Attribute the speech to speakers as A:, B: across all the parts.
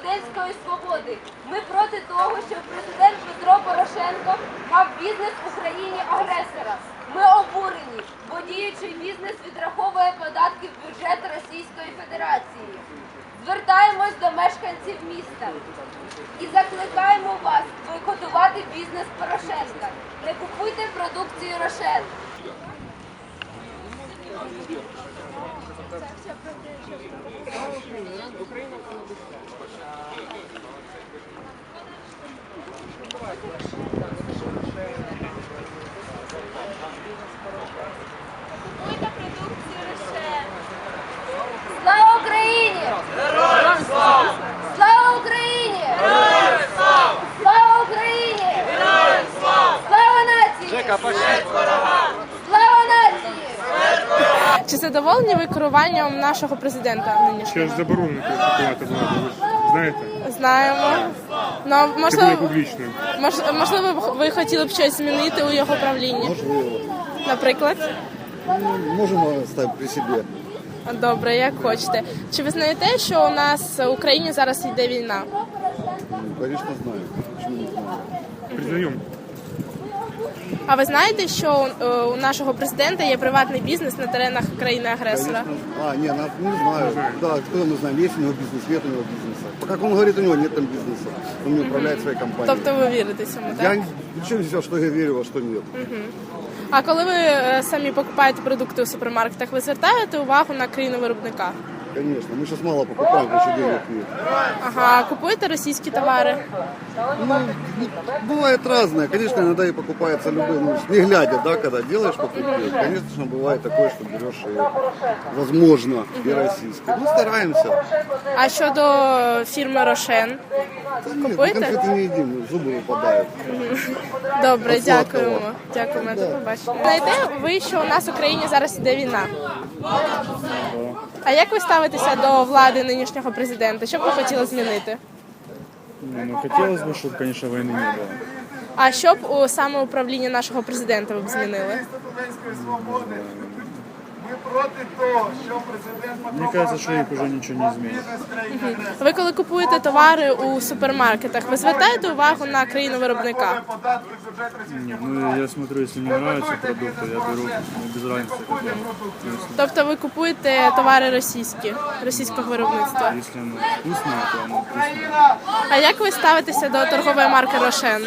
A: студентської свободи. Ми проти того, щоб президент Петро Порошенко мав бізнес в Україні-агресора. Ми обурені, бо діючий бізнес відраховує податки в бюджет Російської Федерації. Звертаємось до мешканців міста і закликаємо вас бойкотувати бізнес Порошенка. Не купуйте продукцію Рошен. Купуйте продукцію Рошен. Слава Україні! Героям слава! Слава Україні! Героям слава! Слава Україні! Героям слава! Слава нації! Слава нації!
B: Чи задоволені ви керуванням нашого президента нинішнього?
C: Ще ж заборонено критикувати владу, ви ж знаєте?
B: Знаємо. Ну,
C: Це буде
B: можливо,
C: публічно.
B: можливо, ви хотіли б щось змінити у його правлінні?
D: Можливо.
B: Наприклад?
D: Можемо ставити при собі.
B: Добре, як хочете. Чи ви знаєте, що у нас в Україні зараз йде війна?
D: Звісно, знаю. Чому не знаю?
C: Признаємо.
B: А ви знаєте, що у нашого президента є приватний бізнес на теренах країни-агресора?
D: А, не знаю. Да, кто мы знаем, есть у него бизнес, нет у него бизнеса. По как он говорит, у него нет там бизнеса. Он не управляет своей компанией.
B: Тобто ви вірите цьому, так?
D: Я ничего не взял, что я верю, а что нет.
B: А коли ви самі покупаєте продукти у супермаркетах, ви звертаєте увагу на країну-виробника?
D: Конечно, мы сейчас мало покупаем, потому что денег нет.
B: Ага, купуєте російські товари?
D: Ну, бывает разное. Конечно, иногда и покупается любой, ну, не глядя, да, когда делаешь покупки. Конечно, бывает такое, что берешь и, возможно, и российские. Ну, стараемся.
B: А щодо фірми Рошен?
D: Да нет, мы
B: Купуєте?
D: конфеты не едим, зубы выпадают.
B: Добре,
D: От сладкого.
B: дякуємо. Дякуємо, до побачення. Знаєте ви, що у нас в Україні зараз іде війна? А як ви ставитеся до влади нинішнього президента? Що б ви хотіли змінити?
E: Ну, хотелось бы, чтобы, конечно, войны не было.
B: А що б у самоуправлінні нашого президента ви б змінили?
E: Мне кажется, что их уже ничего не изменит.
B: Ви коли купуєте товари у супермаркетах, ви звертаєте увагу на країну-виробника?
E: Нет, ну я смотрю, если мне нравятся продукты, я беру, без разницы какого.
B: Тобто ви купуєте товари російського виробництва?
E: Если оно вкусное, то оно вкусное.
B: А як ви ставитеся до торгової марки Рошен?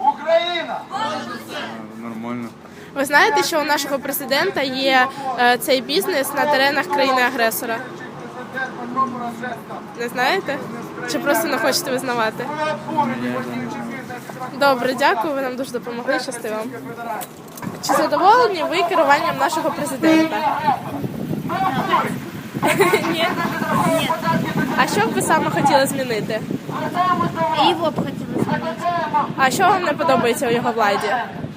E: Нормально.
B: Ви знаєте, що у нашого президента є цей бізнес на теренах країни-агресора? Не знаєте? Чи просто не хочете визнавати? Добре, дякую, ви нам дуже допомогли, щасти вам. Чи задоволені ви керуванням нашого президента? Ні? Ні. А що б ви саме хотіли змінити?
F: Его б хотіли змінити.
B: А що вам не подобається у його владі?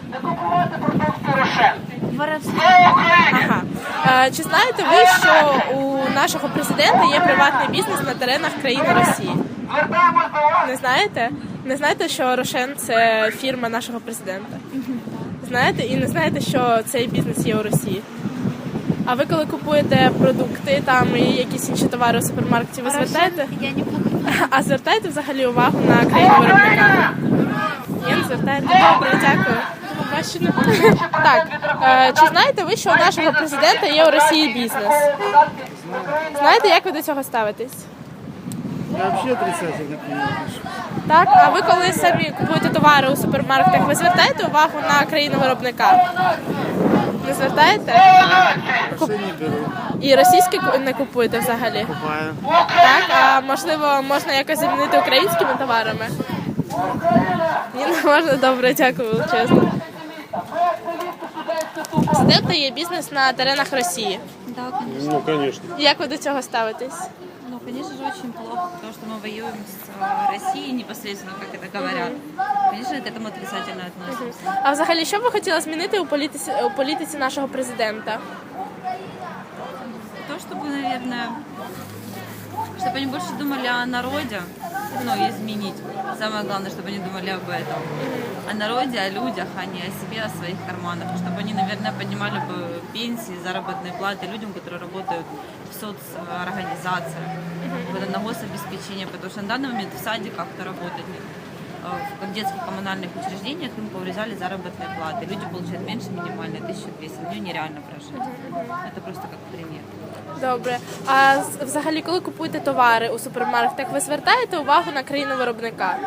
F: Воровство.
B: Ага. Чи знаєте ви, що у нашого президента є приватний бізнес на теренах країни Росії? Не знаєте? Не знаєте, що Рошен – це фірма нашого президента? Знаєте? І не знаєте, що цей бізнес є у Росії? А ви коли купуєте продукти там і якісь інші товари у супермаркеті, ви звертаєте?
F: Я не покупаю.
B: А звертаєте взагалі увагу на країну виробника? Ні, не звертаєте? Добре, дякую. До побачення. Так, чи знаєте ви, що у нашого президента є у Росії бізнес? Знаєте, як ви до цього ставитесь?
E: Я вообще отрицательно к нему отношусь.
B: Так, а ви коли самі купуєте товари у супермаркетах, ви звертаєте увагу на країну виробника? Не звертаєте?
E: Вообще не беру.
B: І російські не купуєте взагалі?
E: Купаю.
B: Так, а можливо, можна якось замінити українськими товарами? Ні, не можна? Добре, дякую величезно. Президента є бізнес на теренах Росії.
F: Да, конечно.
C: Ну, конечно.
B: Як ви до цього ставитесь?
F: Ну, конечно же, очень плохо, потому что мы воюем с Россией непосредственно, как это говорят. Конечно, к этому отрицательно относимся.
B: А взагалі, що б ви хотіли змінити у політиці нашого президента?
F: То, чтобы, наверное, Чтобы они больше думали о народе, ну, и изменить. Самое главное, чтобы они думали об этом. О народе, о людях, а не о себе, о своих карманах. Чтобы они, наверное, поднимали бы пенсии, заработные платы людям, которые работают в соцорганизациях, на гособеспечение, потому что на данный момент в садиках, кто работает, в детских коммунальных учреждениях им поврезали заработные платы. Люди получают меньше минимальной, 1200. На нее нереально прожить. Это просто как пример.
B: Добре. А взагалі, коли купуєте товари у супермаркетах, ви звертаєте увагу на країну виробника?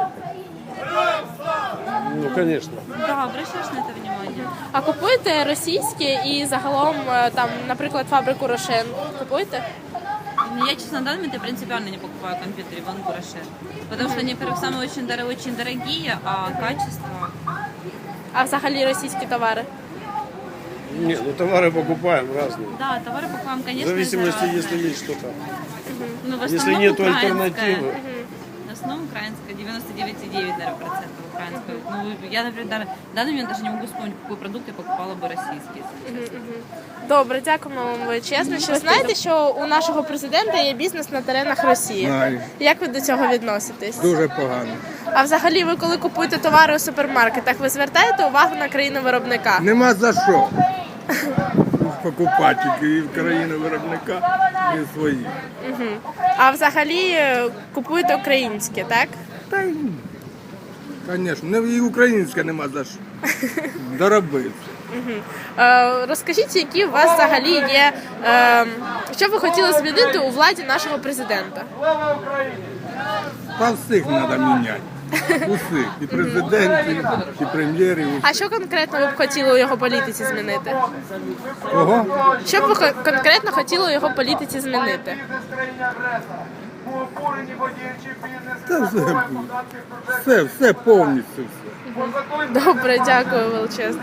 G: Ну, конечно.
F: Да, обращаешь на это внимание.
B: А купуєте російське і загалом, там, наприклад, фабрику Рошен? Купуєте?
F: Я, честно, на данный момент я принципиально не покупаю конфеты Иванку Рошен. Потому что они, во-первых, самые очень дорогие, а качество...
B: А взагалі російські товари?
G: Нет, ну товары покупаем разные.
F: Да, товары покупаем,
G: В
F: конечно,
G: зависимости,
F: разные.
G: если есть что-то.
F: Ну, в
G: Если
F: основном
G: нет
F: украинская.
G: альтернативы.
F: В основном украинская, 99,9, наверное, процентов украинская. Ну, я, например, в данный момент даже не могу вспомнить, какой продукт я покупала бы российский, если честно.
B: Добре, дякуємо вам величезно. Що знаєте, що у нашого президента є бізнес на теренах Росії?
H: Знаю.
B: Як ви до цього відноситесь?
H: Дуже погано.
B: А взагалі, ви коли купуєте товари у супермаркетах, ви звертаєте увагу на країну виробника?
H: Нема за що покупати і в країни виробника, і свої.
B: А взагалі купуєте українське, так?
H: Та й, звісно, і українська нема за що. Доробився.
B: Розкажіть, які у вас взагалі є, що б ви хотіли змінити у владі нашого президента?
H: Та всіх треба міняти. Усіх. І президентів, і прем'єрів.
B: А що конкретно ви б хотіли у його політиці змінити?
H: Кого?
B: Що б ви конкретно хотіли у його політиці змінити?
H: Та все повністю все.
B: Добре, дякую величезно.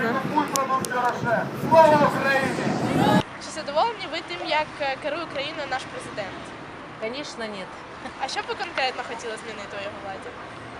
B: Чи задоволені ви тим, як керує країною наш президент?
I: Конечно, нет.
B: А що б ви конкретно хотіли змінити у його владі?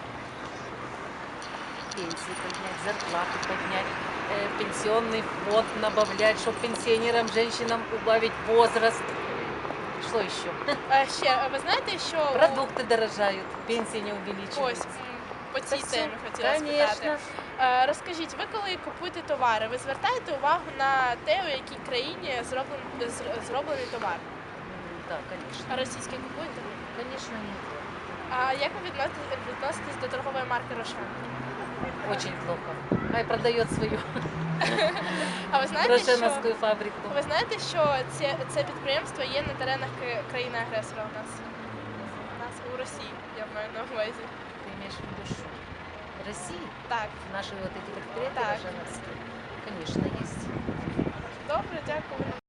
I: Пенсии поднять, зарплату поднять, пенсионный фонд набавлять, чтобы пенсионерам, женщинам убавить возраст. Что еще?
B: Ще, ви знаєте, що
I: Продукты дорожают, пенсии не
B: ось
I: увеличиваются.
B: по цій
I: Та
B: темі
I: все,
B: хотіла
I: конечно.
B: спитати. Розкажіть, ви коли купуєте товари, ви звертаєте увагу на те, у якій країні зроблений товар?
I: Да, конечно.
B: А російське купуєте?
I: Конечно, нет.
B: А як ви відноситесь до торгової марки Рошен?
I: Очень плохо. Хай продает свою
B: А ви знаєте, що
I: рошеновскую фабрику.
B: ви знаєте, що це підприємство є на теренах країни-агресора у нас? У нас у Росії, я маю на увазі.
I: Ты имеешь в виду что? России?
B: Так,
I: Наши вот эти предприятия
B: Так.
I: рошеновские? Конечно, есть.
B: добре, дякую.